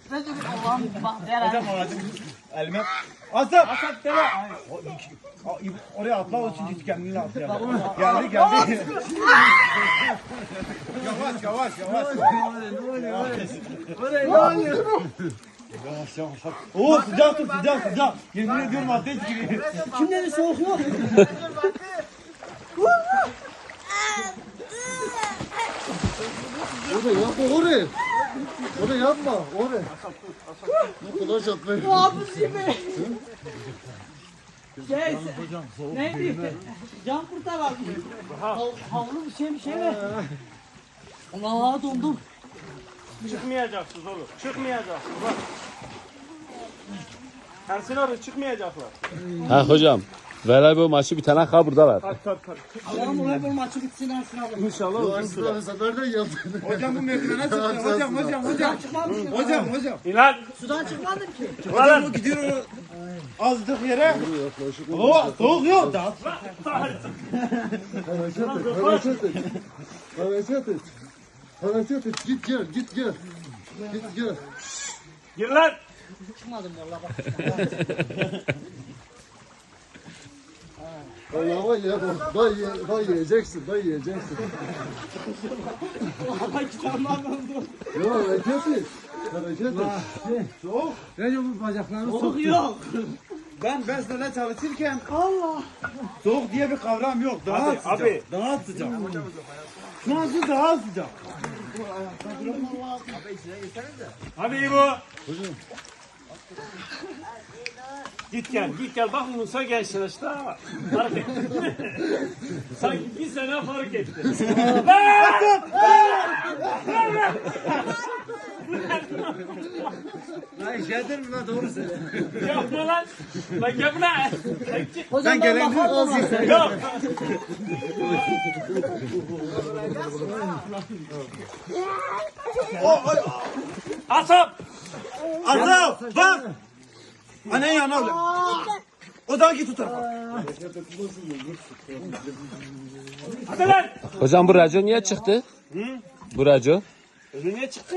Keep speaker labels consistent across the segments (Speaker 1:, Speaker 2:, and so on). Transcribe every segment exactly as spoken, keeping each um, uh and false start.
Speaker 1: Allah'ım bak Deren.
Speaker 2: Hocam ağacım elime. Asap.
Speaker 1: Asap Deren.
Speaker 2: Oraya atla o çünkü kendini atlayalım. Geldi geldi. Yavaş yavaş yavaş. Yavaş yavaş. Oo sıcak dur sıcak sıcak. Yemin ediyorum ateş gibi.
Speaker 1: Kim dedi soğuk yok?
Speaker 3: Orada yapma oraya. Orada yapma oraya. Ne kadar çatlayın.
Speaker 1: Hafız gibi. Şey, neydi? Can kurtaran. Hav- Havlu bir şey bir şey mi? Allah dondum.
Speaker 4: Çıkmayacaksınız oğlum. Çıkmayacaksınız. Bak. Ersin abi çıkmayacaklar.
Speaker 5: Ha hocam. Voleybol maçı bitene kadar buradalar.
Speaker 4: Tabii tabii tabii.
Speaker 1: Allah'ım oraya bu maçı bitsin Ersin abi.
Speaker 4: İnşallah
Speaker 3: Bu
Speaker 4: uzun süre.
Speaker 3: Arslan seferden geldi.
Speaker 2: Hocam bu merdivene çıktı. Hocam hocam hocam.
Speaker 1: Çıkmadım ki.
Speaker 2: Hocam hocam.
Speaker 4: İlan.
Speaker 1: Sudan çıkmadım ki.
Speaker 2: Hocam o gidiyor azdık yere. Oo soğuk yok. Daha
Speaker 3: Hareket et, hareket et. Hareket et. Hareket et. Git gel, git gel. Git gel.
Speaker 4: Gir lan.
Speaker 1: Çıkmadım valla bak.
Speaker 3: Allah'a ye, bay, ye, bay yiyeceksin, bay yiyeceksin.
Speaker 1: Valla kitabımdan dondum.
Speaker 3: Ya hareket et. Hareket et.
Speaker 2: soğuk. Recep bu bacaklarını
Speaker 1: Soğuk yok.
Speaker 2: Ben besmele çalışırken
Speaker 1: Allah.
Speaker 2: soğuk diye bir kavram yok. Daha
Speaker 4: Abi,
Speaker 2: sıcak.
Speaker 4: abi.
Speaker 2: Daha sıcak. Şu an şu daha sıcak.
Speaker 4: Hadi bu. Git gel, git gel. Bak Musa gençler işte. ha. Fark etti. Sanki bir sene fark etti.
Speaker 2: Lan işedir mi lan doğru söyle.
Speaker 4: Yapma lan. Lan yapma.
Speaker 1: Hocam ben bakarım ona.
Speaker 4: Yok. Asap.
Speaker 2: Azap bak. Annen yana öyle. O da git o tarafa.
Speaker 4: Hadi lan.
Speaker 5: Hocam bu raco niye çıktı? Bu raco.
Speaker 4: Önüne çıktı.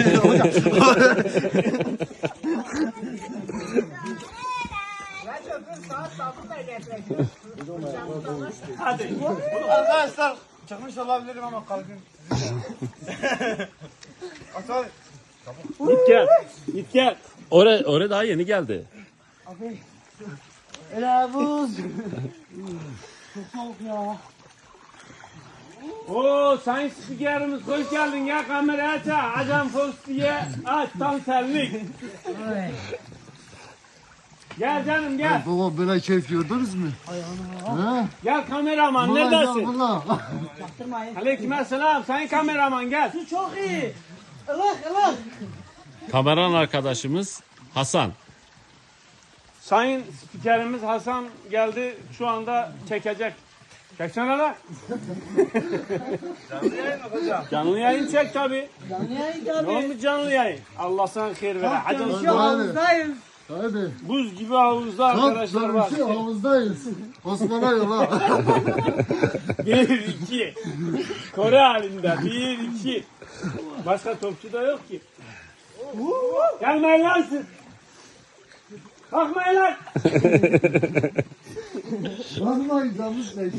Speaker 4: Hadi.
Speaker 2: Arkadaşlar çıkmış olabilirim ama kalbim. Asal.
Speaker 4: Git gel. Git gel.
Speaker 5: Oraya, oraya daha yeni geldi.
Speaker 1: Öyle buz. Çok soğuk ya.
Speaker 4: Oo sayın spikerimiz hoş geldin ya kamerayı aç ha. Ajan Fox diye aç tam senlik. Gel canım gel.
Speaker 3: Baba böyle keyif gördünüz mü? Ha?
Speaker 4: Gel kameraman
Speaker 3: Vallahi
Speaker 4: neredesin?
Speaker 3: vallahi.
Speaker 1: Çaktırmayın.
Speaker 4: Aleykümselam sayın kameraman gel.
Speaker 1: Su çok iyi. Ilık ılık.
Speaker 5: Kameran arkadaşımız Hasan.
Speaker 4: Sayın spikerimiz Hasan geldi şu anda çekecek. Çeksene lan.
Speaker 2: Canlı yayın mı hocam?
Speaker 4: Canlı yayın çek tabi.
Speaker 1: Canlı yayın
Speaker 4: Ne
Speaker 1: tabii.
Speaker 4: olmuş canlı yayın? Allah sana hayır vere. Hacım
Speaker 1: Çalışıyor havuzdayız.
Speaker 3: Hadi.
Speaker 4: buz gibi havuzda arkadaşlar var.
Speaker 3: Şu havuzdayız. Osman'a yola.
Speaker 4: Bir iki. Kore halinde. Bir iki. Başka topçu da yok ki. Gelmeyin lan siz. Kalkmayın lan.
Speaker 3: Vallahi canımız ne?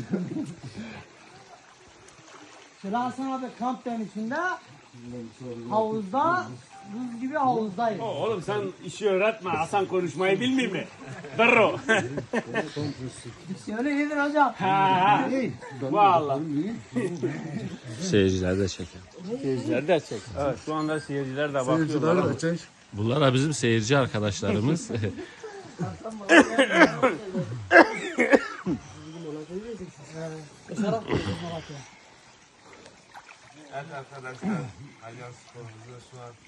Speaker 1: Şöyle Hasan abi kamp demişinde havuzda buz gibi havuzdayız.
Speaker 4: Oğlum sen işi öğretme. Hasan konuşmayı bilmiyor mu? Dırro.
Speaker 1: Şöyle iyidir hocam.
Speaker 4: Ha ha. Vallahi.
Speaker 5: Seyirciler de çeker.
Speaker 4: Seyirciler de çek. Evet şu anda seyirciler de bakıyorlar.
Speaker 3: Seyirciler de çek.
Speaker 5: Bunlar da bizim seyirci arkadaşlarımız.
Speaker 2: Evet arkadaşlar. Alyan sporumuzu şu an